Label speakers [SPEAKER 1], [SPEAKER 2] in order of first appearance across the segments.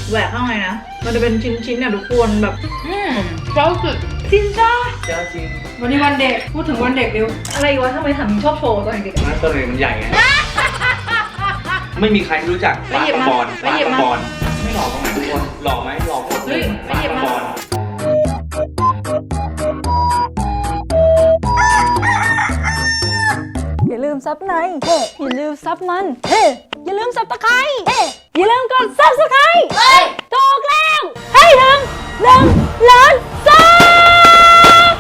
[SPEAKER 1] แหวกข้างในนะมันจะเป็นชิ้นๆเนี่ยทุกคนแบบเจ้าสุดจริงจ้า
[SPEAKER 2] เจ้าจริง
[SPEAKER 1] วันนี้วันเด็กพูดถึงวันเด็กเร็วอะไรวะทำไมถามชอบโชว์ตอนเด็ก
[SPEAKER 2] นั่นตัวเองมันใหญ่ไงไม่มีใครรู้จักปลากระบอนไม่หล่อตรงไหนทุกคนหล่อไหมหล่อโคตรเลยปลากระบอน
[SPEAKER 3] อย่าลืมซับในเฮ้อย่าลืมซับมันเฮ้อย่าลืมซับตะไคร้เฮ้อย่าลืมกดซับสไครต์ถูกแล้วให้ถึง1 ล้านซับ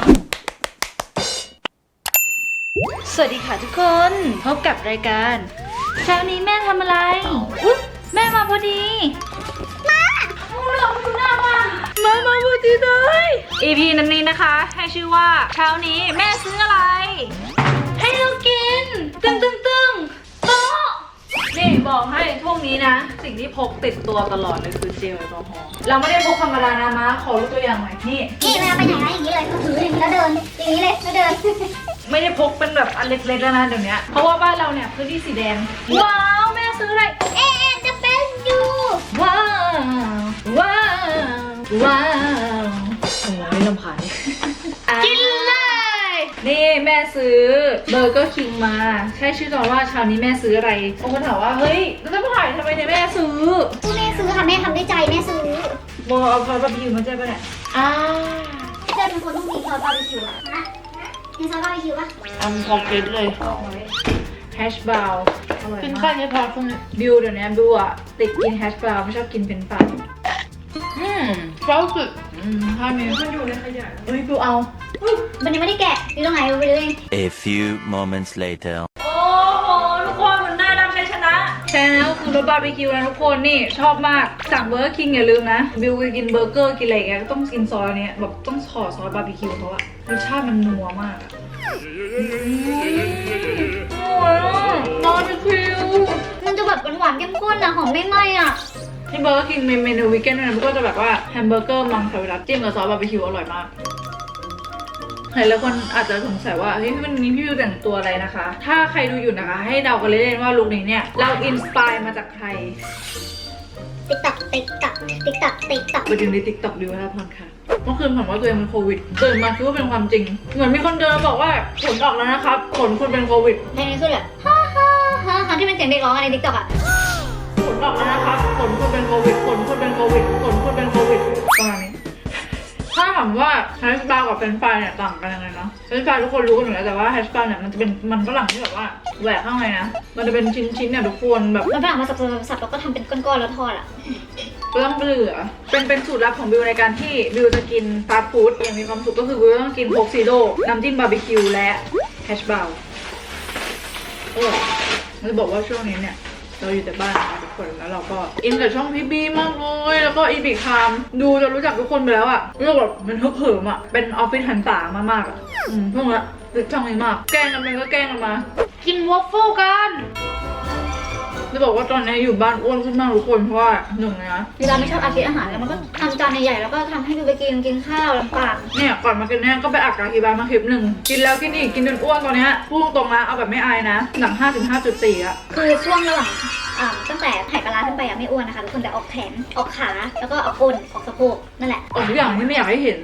[SPEAKER 3] สวัสดีค่ะทุกคนพบกับรายการเช้านี้แม่ทำอะไรแม่มาพอดีมาพอดีเลย EP นี้นะคะให้ชื่อว่าเช้านี้แม่ซื้ออะไรให้เรากินตึงโต๊ะนี่บอกให้พวกนี้นะสิ่งที่พกติดตัวตลอดเลยคือเจลแอลกอฮอล์เราไม่ได้พกธรรมดานะมาขอรู้ตัวอย่างหน่อยนี่
[SPEAKER 4] เวลาไปไหนนะอย่างนี้เลยถืออย่างนี้แล้วเดินอย่างนี้เลยแล้วเดิน
[SPEAKER 1] ไม่ได้พกเป็นแบบอันเล็กๆแล้วนะเดี๋ยวนี้เพราะว่าบ้านเราเนี่ยพื้นที่สีแดงว้าวแม่ซื้ออะไร
[SPEAKER 4] จะเป็นอยู่
[SPEAKER 1] ว้าวโอ้ยลำพัน
[SPEAKER 4] กินเลย
[SPEAKER 1] นี่แม่ซื้อเบอร์เกอร์คิงมาใช่ชื่อตอนว่าเช้านี้แม่ซื้ออะไรบางคนถามว่าเฮ้ยแล้วจะมาถ่ายทำไมเนี่ยแม่ซื้อ
[SPEAKER 4] แม่ซื้อค่ะแม่ทำด้วยใจแม่ซื้อ
[SPEAKER 1] โบเอาซอสบาร์บีคิวมาใช่ปะเนี่ย
[SPEAKER 4] เจ้าเป็นคนต้องมีซอสบาร์บีคิวนะมีซอสบาร์บีคิวปะ
[SPEAKER 1] พอเก็ตเลยแฮชบราวน์กินแค่นี้พอคุณบิวเดี๋ยวนี้บิวอะติดกินแฮชบราวน์ไม่ชอบกินเป็นปลาเฝ้าสุดถ้ามีมันอยู่ในขยะเฮ้ยบิวเอา
[SPEAKER 4] มันยังไม่ได้แกะอยู่ตรงไหนไปเลย
[SPEAKER 5] A few moments later
[SPEAKER 1] โอ้โหทุกคนมันได้รับชัยชนะใช่แล้วคือรสบาร์บีคิวนะทุกคนนี่ชอบมากสั่งเบอร์เกอร์คิงอย่าลืมนะบิวกินเบอร์เกอร์กินอะไรแกก็ต้องกินซอสอันนี้แบบต้องขอซอสบาร์บีคิวเพราะว่ารสชาติมันนัวมากบาร์บีคิว
[SPEAKER 4] มันจะแบบหวานๆเข้มข้นอะหอมไม่ไหม้อะ
[SPEAKER 1] ที่เบอร์เกอร์คิงเมนูวีแกนด์นะมันก็จะแบบว่าแฮมเบอร์เกอร์มังสวิรัติจิ้มกับซอสบาร์บีคิวอร่อยมากหลายคนอาจจะสงสัยว่าเฮ้ยวันนี้พี่วิวแต่งตัวอะไรนะคะถ้าใครดูอยู่นะคะให้เดากันเล่นๆว่าลุคนี้เนี่ยเราอินสปายมาจากใคร
[SPEAKER 4] ติ๊กตักไป
[SPEAKER 1] ดูในติ๊กต็อกดิวนะพรค่ะเมื่อคืนผมว่าตัวเองเป็นโควิดตื่นมาคิดว่าเป็นความจริงเหมือนมีคนเดินบอกว่าผลออกแล้วนะครับผลคุณเป็นโควิด
[SPEAKER 4] ในนี้คือแบบฮ่าที่เป็นเสียงเด็กร้องในติ๊กต็อกอะ
[SPEAKER 1] ผลออกแล้วนะครับผลคุณเป็นโควิดผลคุณเป็นโควิดผลคุณเป็นโควิดประมาณนี้ถ้าถามว่าแฮชบาร์กับเฟรนช์ฟรายเนี่ยต่างกันยังไงเนาะเฟรนช์ฟรายทุกคนรู้กันอยู่แล้วแต่ว่าแฮชบาร์เนี่ยมันจะเป็นมันฝรั่งที่แบบว่าแหวกข้างในนะมันจะเป็นชิ้นๆเนี่ยทุกคนแบบ
[SPEAKER 4] มันฝรั่งมาสับแล้วก็ทำเป็นก้อนๆแล้วทอดอะ
[SPEAKER 1] เปลืองเปลือเป็นสูตรลับของบิวในการที่บิวจะกินฟาสต์ฟู้ดอย่างมีความสุขก็คือบิวต้องกินโค้กซีโร่น้ำจิ้มบาร์บีคิวและแฮชบาร์จะบอกว่าช่วงนี้เนี่ยเราอยู่แต่บ้านนะคะทุกคนแล้วเราก็อินกับช่องพี่บีมากเลยแล้วก็อีบิคามดูจะรู้จักทุกคนไปแล้วอะเรื่องแบบมันเหิมอะเป็นออฟฟิศหันตามากๆอะพวกนี้ติดช่องนี้มากแกล้งกันไปก็แกล้งกันมากินวอฟเฟิลกันจะบอกว่าตอนนี้อยู่บ้านอ้วนขึ้นมากทุกคนเพราะว่าหนึ่งนะ
[SPEAKER 4] เวลาไม่ชอบอาหารแล้วมันก็ทำจานใหญ่ๆแล้วก็ทำให้ดูไปกินข้าวลำบาก
[SPEAKER 1] เนี่ยก่อนมากินเนี่ยก็ไปอัดกาคีบามาคลิปหนึ่งกินแล้วกินอีกกินจนอ้วนตอนนี้พูดตรงนะเอาแบบไม่อายนะหนัง 5.4 อะ
[SPEAKER 4] คือช่วงระหว่างตั้งแต่ไข่ปลาร้าขึ้นไปไม่อ้วนนะคะทุกคนแต่ออกแขนออกขาแล้วก็ออกก้นออกสะโพกนั่นแหละ
[SPEAKER 1] ออกทุกอย่างที่ไม่อยากให้เห็น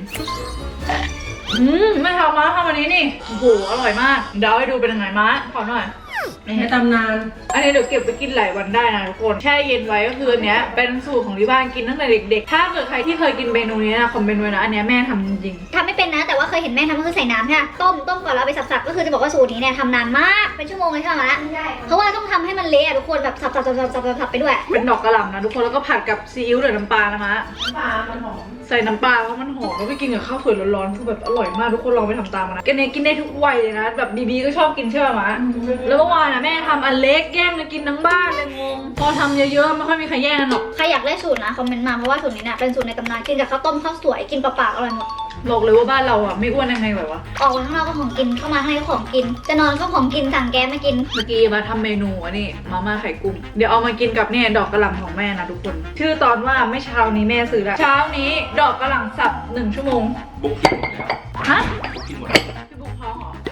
[SPEAKER 1] ไม่ทำมาทำวันนี้นี่โอ้โหอร่อยมากเดี๋ยวให้ดูเป็นยังไงมาขอหน่อย
[SPEAKER 3] ให้ตำนาน
[SPEAKER 1] อันนี้เดี๋ยวเก็บไปกินหลายวันได้นะทุกคนแช่เย็นไว้ก็คืออันเนี้ยเป็นสูตรของที่บ้านกินตั้งแต่เด็กๆถ้าเกิดใครที่เคยกินเมนูนี้นะคอมเมนต์ไว้นะอันเนี้ยแม่ทำจริง
[SPEAKER 4] ๆทำไม่เป็นนะแต่ว่าเคยเห็นแม่ทำก็คือใส่น้ำใช่ไหมต้มก่อนแล้วไปสับๆก็คือจะบอกว่าสูตรนี้เนี่ยทำนานมากเป็นชั่วโมงเลยใช่ไหมเพราะว่าต้องทำให้มันเละทุกคนแบบสับไปด้วย
[SPEAKER 1] เป็นดอกกระหล่ำนะทุกคนแล้วก็ผัดกับซีอิ๊วหรือน้ำปลานะคะน้ำปลามันหอมใส่น้ำปลาเพราะมันหอมแล้วไปกินกับข้าวสวยร้อนๆคือแบบอร่อยมากทุกคนลองไปทำตามนะกินได้ทุกวัยเลยนะแบบบีก็ชอบกินใช่ไหมแล้วเมื่อวานนะแม่ทำอันเล็กแย่งกันกินทั้งบ้านเลยงงพอทำเยอะๆไม่ค่อยมีใครแย่งกันหรอก
[SPEAKER 4] ใครอยากได้สูตรนะคอมเมนต์มาเพราะว่าสูตรนี้เนี่ยเป็นสูตรในตำนานกินกับข้าวต้มข้าวสวยกินเปล่าๆอร่อยหมด
[SPEAKER 1] บอกเลยว่าบ้านเราอ่ะไม่อ้วนยังไงแบบวะ
[SPEAKER 4] ออกไปข้างนอกก็ของกินเข้ามาข้างในก็ของกินจะนอนก็ของกินสั่งแก๊สมากิน
[SPEAKER 1] เมื่อกี้มาทำเมนูอันนี้มาม่าไข่กุ้งเดี๋ยวเอามากินกับเนี่ยดอกกระหล่ำของแม่นะทุกคนชื่อตอนว่าไม่เช้านี้แม่ซื้อแล้วเช้านี้ดอกกระหล่ำสับ1 ชั่วโมง
[SPEAKER 2] บุ๊กกินหมดแล้ว
[SPEAKER 1] ฮะ
[SPEAKER 2] บุ๊กกินหมดแล้ว
[SPEAKER 1] พี่บุ๊กท้องเหรอ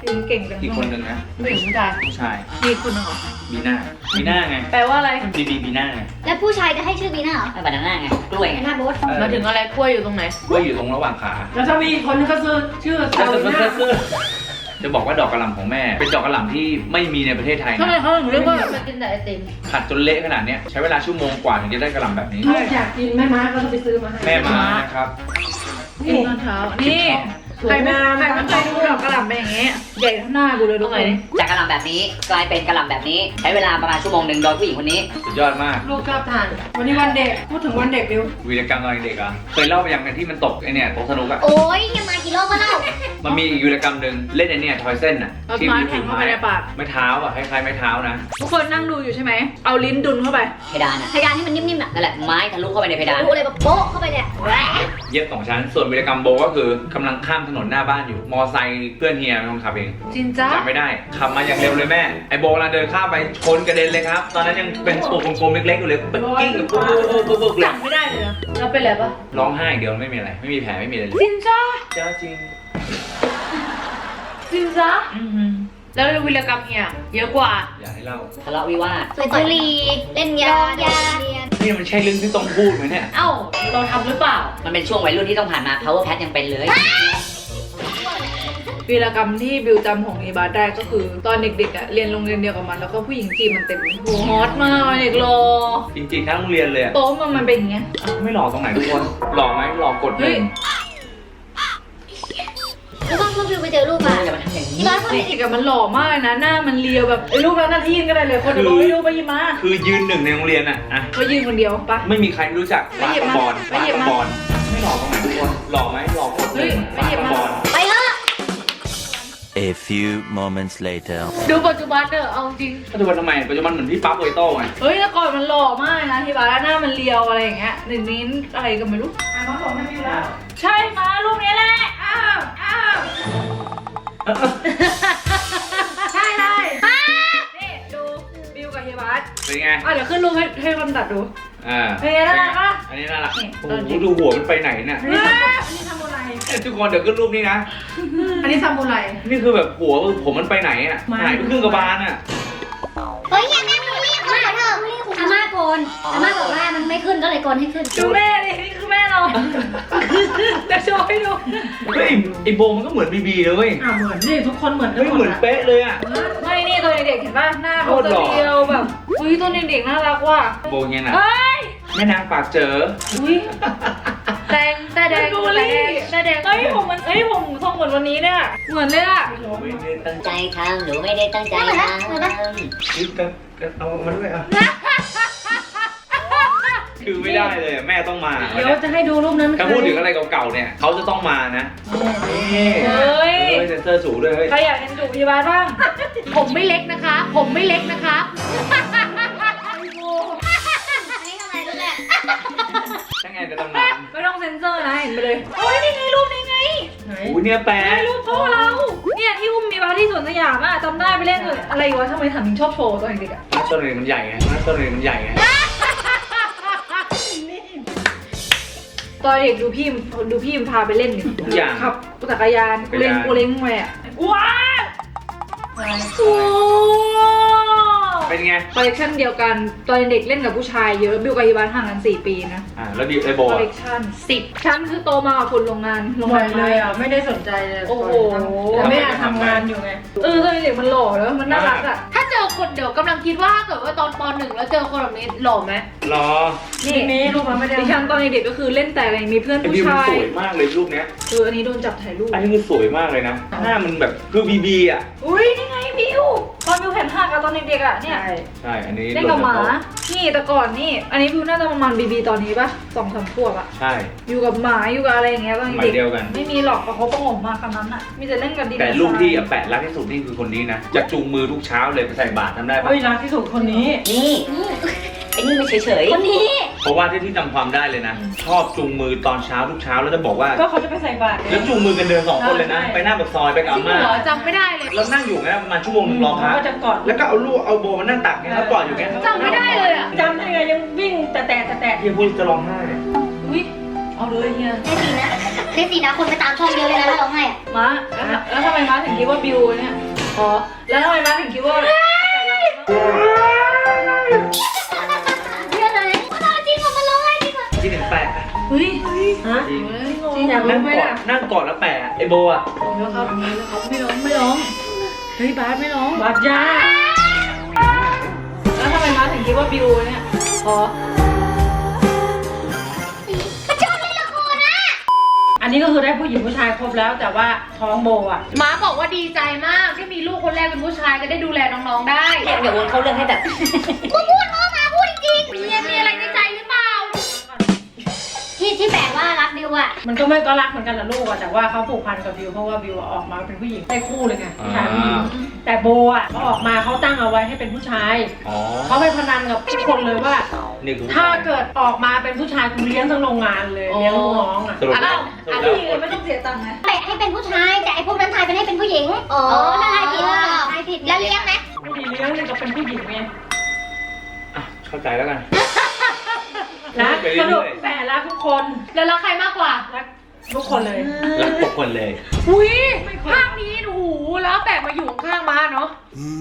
[SPEAKER 1] อิมเก่งจัง
[SPEAKER 2] อีกคนหนึ่งนะ
[SPEAKER 1] ผู้หญิงผู้ชาย
[SPEAKER 2] ผู้ชาย
[SPEAKER 1] มีอีกคนหนึงเหรอ
[SPEAKER 2] บีน่าบีน่าไง
[SPEAKER 1] แปลว่าอะไร
[SPEAKER 2] บีน่าไง
[SPEAKER 4] แล้วผู้ชายจะให้ชื่อบีน่าเหรอ
[SPEAKER 6] บานาน่าไง กล้วยไง
[SPEAKER 4] หน้าโบ๊ท
[SPEAKER 1] มาถึงอะไรกล้วยอยู่ตรงไหน
[SPEAKER 2] ก็อยู่ตรงระหว่างขา
[SPEAKER 7] แล้วถ้ามีอีกคนนึงก็ชื่อซาวิน่า
[SPEAKER 2] จะบอกว่าดอกกระหล่ำของแม่ เป็นดอกกระหล่ำที่ไม่มีในประเทศไทย
[SPEAKER 1] ทำไม
[SPEAKER 2] นะ
[SPEAKER 1] เขาถึงเรียกว่ามากินแต่ไอติม
[SPEAKER 2] ผัดจนเละขนาดเนี้ยใช้เวลาชั่วโมงกว่าถึงจะได้กระหล่ำแบบนี้
[SPEAKER 7] ลูกอยากกินแม่ม้าก็ต้องไปซื้อมาให้
[SPEAKER 2] แม่มานะครับ
[SPEAKER 1] กินตอนเช้า นี่ใครไม่เคยดูดอกกระหล่ำเป็นอย่างงี้ ใหญ่เท่าหน้ากูเลยทุกคน
[SPEAKER 6] จากกระหล่ำแบบนี้กลายเป็นกระหล่ำแบบนี้ ใช้เวลาประมาณชั่วโมงหนึ่งโดยผู้หญิงคนนี้
[SPEAKER 2] สุดยอดมาก
[SPEAKER 7] ลูกชอบทาน วันนี้วันเด็ก พูดถึงวันเด็กดิว
[SPEAKER 2] วีรกรรมตอนเด็กอ่ะเคยเล่าไปยังกันที่มันตกไอเนี่ยโต๊ะสนุกอ่ะ
[SPEAKER 4] โอ้ยยังมากี่รอบก็เล่า
[SPEAKER 2] มันมีอีกวีรกรรมหนึ่งเล่นไอเนี่ยทอยเส้นอ่ะ
[SPEAKER 1] เอาไม้แทงเข้าไปในปาก
[SPEAKER 2] ไม้เท้าอ่ะคล้ายๆไม้เท้านะ
[SPEAKER 1] ทุกคนนั่งดูอยู่ใช่ไหม เอาลิ้นดุนเข้าไป
[SPEAKER 6] เพดานอ่ะ
[SPEAKER 4] พยานให้มันนิ่มๆอ่ะ
[SPEAKER 6] นั่นแหละไม้ทะลุเข้าไปในเพดาน
[SPEAKER 4] รู้เลยแบบโป๊ะเข้าไปเนี่ยแหวะ
[SPEAKER 2] เย็บ2 ชั้น ส่วนวีรกรรมโบก็คือกำลังข้ามถนนหน้าบ้านอยู่ มอไซค์เพื่อนเฮียเป็นคนขับเอง
[SPEAKER 1] จริงจ้า
[SPEAKER 2] จำไม่ได้ขับมาอย่างเร็วเลยแม่ ไอโบกำลังเดินข้ามไปชนกระเด็นเลยครับ ตอนนั้นยังเป็นตัวกลมๆเล็กๆอยู่เลยเป็นกิ้งแบบปุ๊บๆๆๆเลย
[SPEAKER 1] จำไม่ได้เลยนะแล้วเป็นอะไรปะ
[SPEAKER 2] ร้องไห้เดียวไม่มีอะไร ไม่มีแผลไม่มีอะไรเลย
[SPEAKER 1] จริงจ้า
[SPEAKER 2] เจ้าจริง
[SPEAKER 1] จริงจ้าแล้ววิรกรรมเฮียเยอะกว่า
[SPEAKER 2] อย่าให้เล่า
[SPEAKER 6] ทะเลาะวิวาท
[SPEAKER 4] สูบบุหรี่เล่นยาเรียน
[SPEAKER 2] นี่มันใช่เรื่องที่ต้องพูดไหมเนี่ย
[SPEAKER 1] เอ้า เราทำหรือเปล่า
[SPEAKER 6] มันเป็นช่วงวัยรุ่นที่ต้องผ่านมา power pad ยังเป็นเลย
[SPEAKER 1] วีรกรรมที่บิวจำของอีบาสได้ก็คือ ตอนเด็กๆอ่ะเรียนโรงเรียนเดียวกับมันแล้วก็ผู้หญิงจีบมันเต็มโหฮอตมากเด็กรอ
[SPEAKER 2] จริงๆทั้งโรงเรียนเลยอะ
[SPEAKER 1] โต๊ะมันเป็นอย่างเงี้ย
[SPEAKER 2] ไม่หล่อตรงไหนทุกคนหล่อไหมหล่อกดห
[SPEAKER 1] เฮ้
[SPEAKER 2] นึ่
[SPEAKER 1] ย
[SPEAKER 2] ง
[SPEAKER 4] แล้วก็วิวไปเจอรูปมา
[SPEAKER 6] อย่ามาทำอย่างนี้
[SPEAKER 4] ที่บ้าน
[SPEAKER 1] ตอนเด็กอะมันหล่อมากนะหน้ามันเรียวแบบไอ้รูปนั้นนาทีนก็ได้เลยคนเดียวไม่รู้ไปหยิบมา
[SPEAKER 2] คือยืนหนึ่งในโรงเรียนอะอะ
[SPEAKER 1] ไปยืนคนเดียวปะ
[SPEAKER 2] ไม่มีใครรู้จัก
[SPEAKER 1] ไป
[SPEAKER 2] บา
[SPEAKER 1] หยิ
[SPEAKER 2] ส
[SPEAKER 1] บมา
[SPEAKER 2] บอล
[SPEAKER 1] ไป
[SPEAKER 2] บา
[SPEAKER 1] หยิบ
[SPEAKER 2] ส
[SPEAKER 1] มา
[SPEAKER 2] บอลไม่หล่อตรงไหนทุกคนหล่อไหมหล่อกดหนึ่ง
[SPEAKER 1] เฮ้ยไป
[SPEAKER 2] บา
[SPEAKER 1] หยิ
[SPEAKER 2] ส
[SPEAKER 1] บมา
[SPEAKER 2] บอล
[SPEAKER 4] ไปเถอะ
[SPEAKER 5] A few moments later.
[SPEAKER 1] ดูปัจจุบันเถอะเอาจริง
[SPEAKER 2] ปัจจุบันทำไมปัจจุบันเหมือนพี่ปั๊บโอยโต้ไง
[SPEAKER 1] เฮ้ยแต่ก่อนมันหล่อมากนะที่บ้านหน้ามันเรียวอะไรอย่างเงี้ยเดี๋ยวนี้อะไรก็ไม่รู้
[SPEAKER 7] น้องบอกให้วิวแล้ว
[SPEAKER 1] ใช่มารูปนี้แหละอ้าวอ้าวใช่เลยนี่ดูบิวกับเฮียบัส
[SPEAKER 2] เป็นไง
[SPEAKER 1] เดี๋ยวขึ้นรูปให้คนตัดดู
[SPEAKER 2] อ่า
[SPEAKER 1] เป็นไงน่ารักปะ
[SPEAKER 2] อันนี้น่ารัก
[SPEAKER 1] นี่
[SPEAKER 2] โอ้
[SPEAKER 1] ตอน
[SPEAKER 2] โห
[SPEAKER 1] เด็ก
[SPEAKER 2] ดูหัวมันไปไหนเนี่ย
[SPEAKER 7] อันนี้ซามูไร
[SPEAKER 2] ทุกคนเดี๋ยวขึ้นรูปนี้นะ
[SPEAKER 7] อันนี้ซามูไร
[SPEAKER 2] นี่คือแบบหัวผมมันไปไหนอ่ะหายไปครึ่งกระบาลอ่ะ
[SPEAKER 4] เฮ้ยอย่าแม่บูลลี่อาม่าเถอะอาม่าโกนอาม่าบอกว่ามันไม่ขึ้นก็เลยโกนให้ขึ้น
[SPEAKER 1] ดูแม่ดินี่คือแม่เราจะโชว์ให้ดู
[SPEAKER 2] เฮ้ยไอโบมันก็เหมือนบีบีเลยเว้ย
[SPEAKER 7] เหมือนนี่ทุกคนเหมือนกัน
[SPEAKER 2] เฮ้ยเหมือนเป๊ะเลยอ่ะ
[SPEAKER 1] ไม่นี่ตัวเด็กๆเห็นป่ะหน้าเขาจะเรียวแบบอุ้ยตัวเด็กๆน่ารักว่ะ
[SPEAKER 2] โบเงี้ยนะ
[SPEAKER 1] เฮ้ย
[SPEAKER 2] แม่นางปากเจอ
[SPEAKER 1] อุ้ยแดงแต่แดงแต่แดงเฮ้ยผมมันผมทรงเหมือนวันนี้เนี่ยเหมือนเลยอะ
[SPEAKER 2] ไม่ได้ตั้งใจ
[SPEAKER 6] ใจทำหนูไม่ได้ตั้งใจ
[SPEAKER 4] เหมือน
[SPEAKER 6] ท
[SPEAKER 4] นะเหมือนนะ
[SPEAKER 2] ยึดกันเอามาด้วยอ่ะคือไม่ได้เลยอะแม่ต้องมา
[SPEAKER 7] เดี๋ยวจะให้ดูรูปนั้น
[SPEAKER 2] ถ้าพูดถึงอะไรเก่าๆเนี่ยเขาจะต้องมานะนี่
[SPEAKER 1] เฮ้ย
[SPEAKER 2] เซ็นเซอร์สูงด้วยเฮ้ย
[SPEAKER 1] ใครอยากเห็นจูบพยาบาลบ้าง ผมไม่เล็กนะคะ ผมไม่เล็กนะคะ
[SPEAKER 4] อันนี้ทำอะไรรู้แหละ
[SPEAKER 2] ช่างไงจะตำนาน
[SPEAKER 1] ไม่ต้องเซ็นเซอร์นะเห็นไปเลยเฮ้ยนี่ไงรูปนี้ไง
[SPEAKER 2] อุ้ยเนี่ยแปะ
[SPEAKER 1] ไอ้รูปพ่อเราเนี่ยที่อุ้มมีบาร์ที่สวนสยามอะจำได้ไปเล่นเลยอะไรวะทำไมถังชอบโชว์ตอนเด็กๆอะ
[SPEAKER 2] หน้าต้นเลยมันใหญ่ไงหน้าต้นเลยมันใหญ่ไง
[SPEAKER 1] ตอนเด็กดูพี่มันพาไปเล่นนี่
[SPEAKER 2] ทุกอย่าง
[SPEAKER 1] ขับจักรยานกูเล่นกูเล้งไปอะว้าวโอ้
[SPEAKER 2] เป็นไง
[SPEAKER 1] คอลเลคชันเดียวกันตอนเด็กเล่นกับผู้ชายเยอะบิวกับฮีบานห่างกัน4 ปีนะ
[SPEAKER 2] แล้วดิไอโบ
[SPEAKER 1] คอลเล
[SPEAKER 2] อะ
[SPEAKER 1] คชัน10ชั้นคือโตมากับคนโรงงาน
[SPEAKER 7] บ่อยเลยอ่ะ ไม่ได้สนใจเลย
[SPEAKER 1] โอ้โห
[SPEAKER 7] แต่แม่ทำงานอยู่ไง
[SPEAKER 1] ตอนเด็กมันหล่อแล้วมันน่ารักอ่ะ
[SPEAKER 3] ถ้าเจอคนเดี๋ยวกำลังคิดว่าถ้าเกิดว่าตอนป .1 แล้วเจอคนแบบนี้หล่อไหม
[SPEAKER 2] รอ
[SPEAKER 1] นี่
[SPEAKER 7] มีรูปมันไม่ได้
[SPEAKER 1] ดิฉันตอนเด็กก็คือเล่นแต่อะไรมีเพื่อน
[SPEAKER 2] ไอ
[SPEAKER 1] ผู้
[SPEAKER 2] บิวมัน
[SPEAKER 1] ชาย
[SPEAKER 2] สวยมากเลยรูปเนี้ย
[SPEAKER 1] อันนี้โดนจับถ่ายรูป
[SPEAKER 2] อันนี้คือสวยมากเลยนะหน้ามันแบบคือบีบีอ่ะ
[SPEAKER 1] อุ้ยนี่ไงบิวตอนบิวแผ่นหักอะตอนเด็กๆอะเนี่ย
[SPEAKER 2] ใช่อันนี้
[SPEAKER 1] เล่นกับหมา นี่แต่ก่อนนี่ อันนี้บิวน่าจะประมาณบีตอนนี้ปะ2-3 ขวบอะ
[SPEAKER 2] ใช่
[SPEAKER 1] อยู่กับหมาอยู่กับอะไรอย่างเงี้ยตอน
[SPEAKER 2] สมั
[SPEAKER 1] เด็
[SPEAKER 2] ย
[SPEAKER 1] ก
[SPEAKER 2] เดียวกัน
[SPEAKER 1] ไม่มีหรอกเพราะเขาประงมมาคำนั้นอะมีแต่เล่นกับดิน
[SPEAKER 2] แต่รูปที่แปะรักที่สุดนี่คือคนนี้นะจะจูงมือทุกเช้าเลยไปใส่บาตรทำได้ปะ
[SPEAKER 7] เฮ้ยรักที่สุดคนนี้
[SPEAKER 6] ำนี่ไอ้นี่ไม่เฉย
[SPEAKER 4] คนนี้
[SPEAKER 2] เพราะว่าที่จำความได้เลยนะ ชอบจูงมือตอนเช้าทุกเช้าแล้วจะบอกว่า
[SPEAKER 7] ก็เขาจะไปใส่บาตร
[SPEAKER 2] แล้วจูงมือกันเดิน2 คนเลยนะ
[SPEAKER 7] ใช่
[SPEAKER 2] ไปหน้าปากซอยไปกับอาม่า
[SPEAKER 3] เหรอจำไม่ได้เลย
[SPEAKER 2] แล้วนั่งอยู่งั้นประมาณชั่วโมงนึงรอพระ
[SPEAKER 7] ก็จะกอด
[SPEAKER 2] แล้วก็เอาลูกเอาโบมานั่งตักเนี่ยแล้วกอดอยู่งั้น
[SPEAKER 3] จำไม่ได้เลยอะ
[SPEAKER 7] จำได้ไงยังวิ่งแต่
[SPEAKER 2] ที่พูดจะร้องไห้
[SPEAKER 1] อุ้ยเอาเลยเฮีย
[SPEAKER 4] ได้สีนะคนไปตามช่องเยอะเลยนะถ้าร้องไห้อะ
[SPEAKER 1] ม้าแล้วทำไมม้าถึงคิดว่าบิวเนี่ยอ๋อแล้วทำไมม้าถึงคิดว่า
[SPEAKER 4] เยอะเลยจริงเหรอมันร้องไห้จริงเหรอ
[SPEAKER 2] คิดถึงแปะ
[SPEAKER 1] เฮ้ย
[SPEAKER 7] ฮะ
[SPEAKER 2] จริง
[SPEAKER 1] จริงอยาก
[SPEAKER 2] นั่
[SPEAKER 1] รู้
[SPEAKER 2] ง
[SPEAKER 1] ไหม
[SPEAKER 2] กอด
[SPEAKER 1] ล่ะ
[SPEAKER 2] นั่งกอดแล้วแปะไอโบอ่ะ
[SPEAKER 1] แล้วครับไม่ร้องเฮ้ยบาสไม่ร้อง
[SPEAKER 7] บาดยา
[SPEAKER 1] แล้วทำไมม้าถึงคิดว่าบิวเนี่ยอ๋อ
[SPEAKER 7] อันนี้ก็คือได้ผู้หญิงผู้ชายครบแล้วแต่ว่าท้องโบอ่ะ
[SPEAKER 3] ม้าบอกว่าดีใจมากที่มีลูกคนแรกเป็นผู้ชายจะได้ดูแลน้องๆได้
[SPEAKER 6] เดี๋ยววนเข้าเรื่องให้แบบ
[SPEAKER 4] พูดมาพูดจริง
[SPEAKER 3] เมียมีอะไรในใจหรือเปล่า
[SPEAKER 4] ที่แปลว่ารักดิวอะ
[SPEAKER 7] มันก็ไม่ก็รักเหมือนกันละลูกอะแต่ว่าเขาผูกพันกับบิวเพราะว่าบิวออกมาเป็นผู้หญิงได้คู่เลยไงผู้ชายผู้หญิงแต่โบอ่ะเขาออกมาเขาตั้งเอาไว้ให้เป็นผู้ชาย
[SPEAKER 2] อ๋อ เขา
[SPEAKER 7] เขาไปพนันกับทุกคนเลยว่า
[SPEAKER 2] นี่คือ
[SPEAKER 7] ถ้าเกิดออกมาเป็นผู้ชายกูเลี้ยงทั้งโรงงานเลยเลี้ยงลูกน้องอ่ะ
[SPEAKER 2] สรุปแล้วสรุปแล้ว
[SPEAKER 1] ไม่ต้องเสียตังค์ไง
[SPEAKER 4] แปะให้เป็นผู้ชายแต่ไอ้พวกนั้นทายเป็นให้เป็นผู้หญิงอ๋อถ้าทายผิดทายผิดแล้วเลี้ยงไหม
[SPEAKER 7] ไม่ดีเลี้ยงเลยก็เป็นผู้หญิงไง
[SPEAKER 2] อ่ะเข้าใจแล้วกัน
[SPEAKER 7] นะ
[SPEAKER 2] ไปเรื่
[SPEAKER 7] ส
[SPEAKER 2] อยๆ
[SPEAKER 7] รุปแปะรักทุกคน
[SPEAKER 3] แล้วรักใครมากกว่า
[SPEAKER 7] รักทุกคนเลย
[SPEAKER 2] รักทุกคนเลย
[SPEAKER 3] อุ้ยภาพนี้โอ้โหแล้วแปะมาอยู่ข้างม้าเนาะ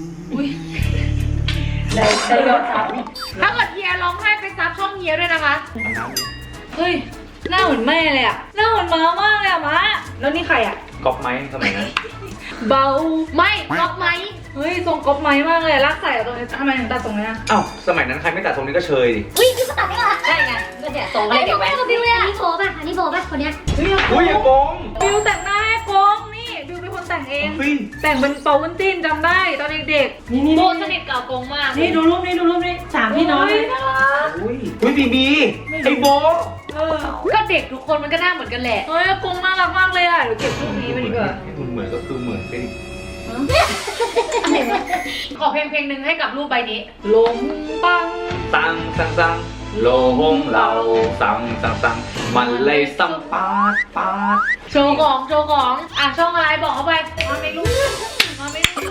[SPEAKER 7] ได้ยอดซับ
[SPEAKER 3] ถ้าเกิดเฮียร้องไห้ไปซับช่องเฮียด้วยนะคะ
[SPEAKER 1] เฮ้ยหน้าเหมือนแม่เลยอะหน้าเหมือนม้ามากเลยอะม้าแล้วนี่ใครอะ
[SPEAKER 2] ก๊อปไหมสมัยนั้น
[SPEAKER 1] เบา
[SPEAKER 3] ไม่ล็อกไหม
[SPEAKER 1] เฮ้ยทรงก๊อปไม้มากเลยลากใส่อะตรงนี้ทำไมถึงตัดตรงนี้อะ
[SPEAKER 2] อ้าว สมัยนั้นใครไม่ตัดตรงนี้ก็เชยดิ
[SPEAKER 4] วิ่งคือก็ตัดได้เหรอ
[SPEAKER 6] ใช่ไงก็เนี่ยทรงก็เลยเดี๋ยวแหวน
[SPEAKER 4] กับบิวเลยอันนี้โบป่ะอันนี้โบป่ะคนเนี้ย
[SPEAKER 1] เฮ้ย
[SPEAKER 2] อุ้ยอย่าโกง
[SPEAKER 1] บิวแต่งหน้าให้กงนี่บิวเป็นคนแต่งเอง
[SPEAKER 2] เฮ้ย
[SPEAKER 1] แต่งเป็นเปาวุ้นจิ้นจำได้ตอนเด็ก
[SPEAKER 7] นี่นี่
[SPEAKER 3] โบ
[SPEAKER 7] นี่
[SPEAKER 3] สนิทกับอากงมาก
[SPEAKER 7] นี่ดูรูปนี่ดูรูปนี่สาม
[SPEAKER 1] ๆ
[SPEAKER 7] พี่น้อง
[SPEAKER 1] เฮ้ยน่ารัก
[SPEAKER 2] อุ้ยบีบีไอโบ
[SPEAKER 1] เออ
[SPEAKER 3] ก็เด็กทุกคนมันก็หน้าเหมือนกันแหละ
[SPEAKER 1] เฮ้ยกงน่ารักมากเลยอะเดี๋ยวเก็บรูปนี้ไปดีกว่า
[SPEAKER 2] เหมือนก็คือเหมือนไปดิ
[SPEAKER 3] ขอเพลงหนึ่งให้กับรูปใบนี้
[SPEAKER 1] ลงปัง
[SPEAKER 2] ตังสังสังโลหงเราสังสังสังมันเลยสังปาดปาด
[SPEAKER 3] โชว์ของอ่ะช่องอะไรบอกเขาไปมาไม่รู้มาไม่รู้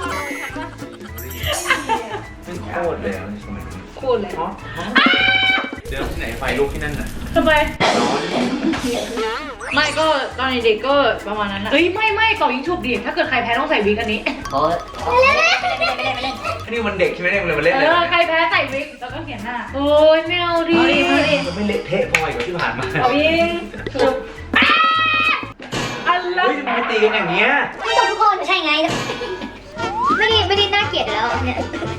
[SPEAKER 2] ไม่โคตรเลยอะในสมัยนี้
[SPEAKER 1] โคตรเลย
[SPEAKER 2] เดินที่ไหนไฟลุกที่นั่นน่ะ
[SPEAKER 1] ทำไม
[SPEAKER 2] ร้อน
[SPEAKER 1] ไม่ก็ตอนเด็กๆก็ประมาณนั้นอะ
[SPEAKER 3] เฮ้ยไม่เป่ายิงฉุบดิถ้าเกิดใครแพ้ต้องใส่วิกอันนี้
[SPEAKER 6] โอ้ย
[SPEAKER 2] อันนี้มันเด็กใช่ไหมเนี่ยมันเล่น
[SPEAKER 3] เอ
[SPEAKER 2] เลย
[SPEAKER 3] อใครแพ้ใส่วิก
[SPEAKER 1] แล้วก็เขียนหน้า
[SPEAKER 3] โอ้ยไม่เอาดิ
[SPEAKER 2] มันไม่เละเทะพออีกกว่าที่ผ่านมา
[SPEAKER 1] เอายิงฉุบอะไร
[SPEAKER 2] เฮ้ยทำไมไม่ตีกันอย่างเงี้ย
[SPEAKER 4] ไม่ตรงทุกคนใช่ไง ไม่ได้น่าเกลียดแล้วเนี่ย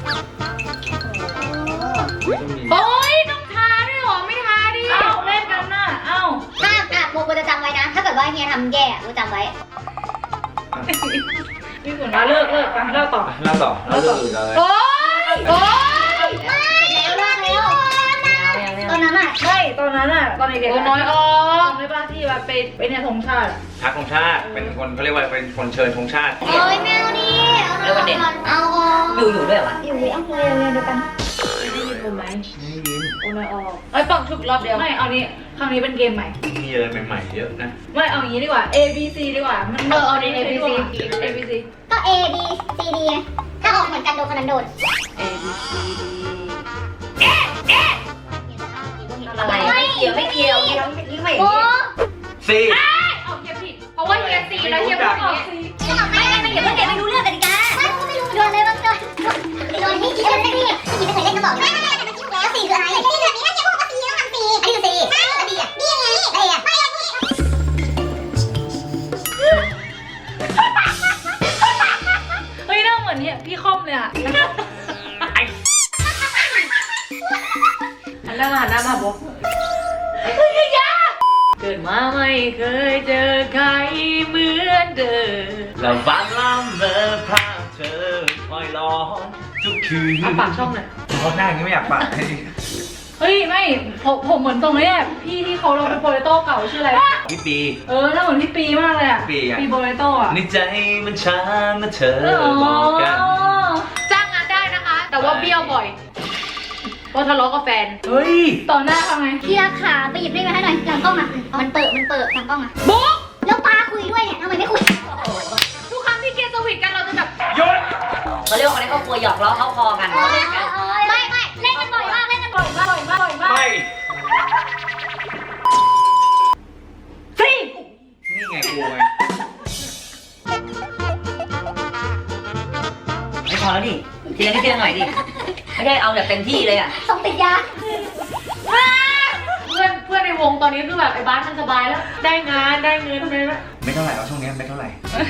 [SPEAKER 3] โอ้ยต้องทาด้วยเหรอไม่ทาดิ
[SPEAKER 1] เอ้าเล่นกันน่ะเอ้า
[SPEAKER 4] ห้ามโบจะจำไว้นะ ถ้าเกิดว่าเฮียทำแย่โบจำไว้
[SPEAKER 1] พี่ฝนมาเลิกไปเลิกต่อ
[SPEAKER 2] เล่าต่อเล่าเรื่องอื่นเลย
[SPEAKER 3] โอ้ย
[SPEAKER 4] แล้วเลิกแล้วตอนนั้นอะ
[SPEAKER 1] ไม่ตอนนั้นอะตอนเด็กๆ
[SPEAKER 3] โอ้
[SPEAKER 1] อะ
[SPEAKER 3] น้อยออก
[SPEAKER 1] จำได้ป่ะที่แบบไปเนี่ยธงชาติอะ
[SPEAKER 2] ทักธงชาติเป็นคนเขาเรียกว่าเป็นคนเชิญธงชาติ
[SPEAKER 4] โอ้ยแมวดิเอา
[SPEAKER 6] บิวอยู่ด้วยเหรอวะ
[SPEAKER 4] อยู่เอาเลยเดียวกัน
[SPEAKER 1] ได้ยินผมไหม
[SPEAKER 2] ไม่ยิน
[SPEAKER 1] โอ้ไม่ออก
[SPEAKER 3] เอ้ยปังฉุบรอบเดียว
[SPEAKER 1] ไม่เอานี้ครั้งนี้เป็นเกมใหม่
[SPEAKER 2] มีอะไรใหม่ๆเยอะนะ
[SPEAKER 1] ไม่เอาอย่างนี้ดีกว่า A B C ดีกว่ามัน
[SPEAKER 3] เอาดิ A B C
[SPEAKER 1] A B C
[SPEAKER 4] ก็ A B C D ถ้าออกเหมือนกันโดนคนนั้นโดน
[SPEAKER 1] A B C D
[SPEAKER 6] อะไรไม่เกี่ยวไม่เกี่ยวยิ่งไม่
[SPEAKER 4] โอ้
[SPEAKER 2] ซี
[SPEAKER 3] เอาเฮียผิดเพราะว่าเฮียซีแล้วเฮียพูดอย่างนี้
[SPEAKER 4] ไม่เดี๋ยวเพื่อนไม่รู้เรื่องกันดิจ้าไม่รู้โดนอะไรบ้างโดนที่คิดไม่ได้พี่คิดไม่เคยเล่นก็บอกไม่แล้วสีคืออะไรนี่แบบนี้ถ้าเฮียพูดว่าสีต้องทำสีอันนี้คือสีแล้วดีอ่ะดียังไงอะไรอ่ะไม่อันนี้
[SPEAKER 1] เฮ้ยหน้าเหมือนเนี่ยพี่คอมเลยอะหันหน้ามาบอกเกิดมาไม่เคยเจอใครเหมือนเดิม
[SPEAKER 2] แล้วฝันล้ำเมอภาพเธอคอยร้อนทุกคืน
[SPEAKER 1] อ่ะปากช่องหน่อย
[SPEAKER 2] เพราะหน้าอย่างนี้ไม่อยากปากให้
[SPEAKER 1] เฮ้ยไม่ผมเหมือนตรงนี้แหละพี่ที่เขาเราเป็นโปรเลโต้เก่าชื่ออะไร
[SPEAKER 2] พี่ปี
[SPEAKER 1] หน้าเหมือนพี่ปีมากเลยอะ
[SPEAKER 2] ปีอะ
[SPEAKER 1] ปีโปรเลโต้อะ
[SPEAKER 2] ในใจมันช้าเมื่อเธอบอกกัน
[SPEAKER 3] จ้างงานได้นะคะ แต่ว่าเบี้ยวบ่อยเพราะทะเลาะกับแฟน
[SPEAKER 2] เฮ้ย
[SPEAKER 1] ต่อหน้าทำไง
[SPEAKER 4] พี่รักขาไปหยิบได้ไหมให้หน่อยหลังกล้องอ่ะมันเปิดหลังกล้องอ่ะ
[SPEAKER 3] บุ๊ก
[SPEAKER 4] แล้วปาคุยด้วยเนี่ยทำไมไม่คุย
[SPEAKER 3] ทุกครั้งที่เกียร์สวิตกันเราจะแบบ
[SPEAKER 2] หยศ
[SPEAKER 6] เขาเรียกว่าในครอบครัวหยอกล้อเข้าคอกันเขาเล่นกัน
[SPEAKER 4] ไม่เล่นกันบ่อยมากเล่นกันบ่อยมาก
[SPEAKER 2] ไม่
[SPEAKER 6] ดิ ทีละนิดทีละหน่อยดิ ไม่ได้เอาแบบเต็มที่เลยอ่ะ
[SPEAKER 4] ส่งติดยา
[SPEAKER 7] เพื่อนในวงตอนนี้คือแบบไอ้บ้านมันสบายแล้ว ได้งานได้เงินไปแล้ว
[SPEAKER 2] ไม่เท่าไหร่เอาช่วงนี้ไม่เท่าไหร่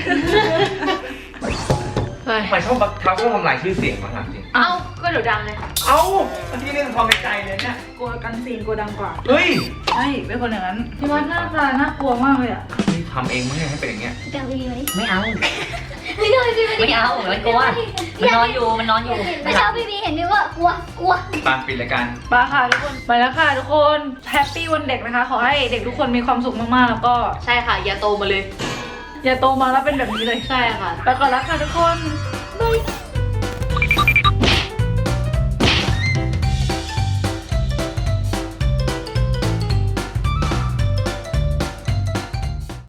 [SPEAKER 1] เฮ้ย
[SPEAKER 2] ทำไมชอบทำลายชื่อเสียงมาถามจริง
[SPEAKER 1] เอ้า
[SPEAKER 7] ก็เดี๋ยวดังเลย
[SPEAKER 2] เอ้าอันที่เรื่องความในใจเลยเนี่ย
[SPEAKER 1] กลัวกันซีนกลัวดังกว่า
[SPEAKER 2] เฮ้ย
[SPEAKER 1] ใช่เป็นคนอย่างนั้นพี่วัดหน้าตาน่ากลัวมากเลยอ่ะ
[SPEAKER 2] นี่ทำเองไม่ให้เป็นอย่างเงี้ย
[SPEAKER 4] เดี๋ยวพี่มาดิ
[SPEAKER 6] ไม่เอา
[SPEAKER 4] ไม่เอาพี่มาดิ
[SPEAKER 6] ไม่เอามันกลัว มันนอนอยู่ มันนอนอยู่
[SPEAKER 4] เมื่อเช้าพี่บีเห็นพี่ว่ากลัว
[SPEAKER 2] ตามปิดรายการ
[SPEAKER 1] ไปค่ะทุกคน ไปแล้วค่ะทุกคน แฮปปี้วันเด็กนะคะ ขอให้เด็กทุกคนมีความสุขมากๆ แล้วก็
[SPEAKER 3] ใช่ค่ะ อย่าโตมาเลย
[SPEAKER 1] อย่าโตมาแล้วเป็นแบบนี้เลย
[SPEAKER 3] ใช่ค่ะ
[SPEAKER 1] ไปก่อนแล้วค่ะทุกคน บ๊ายบาย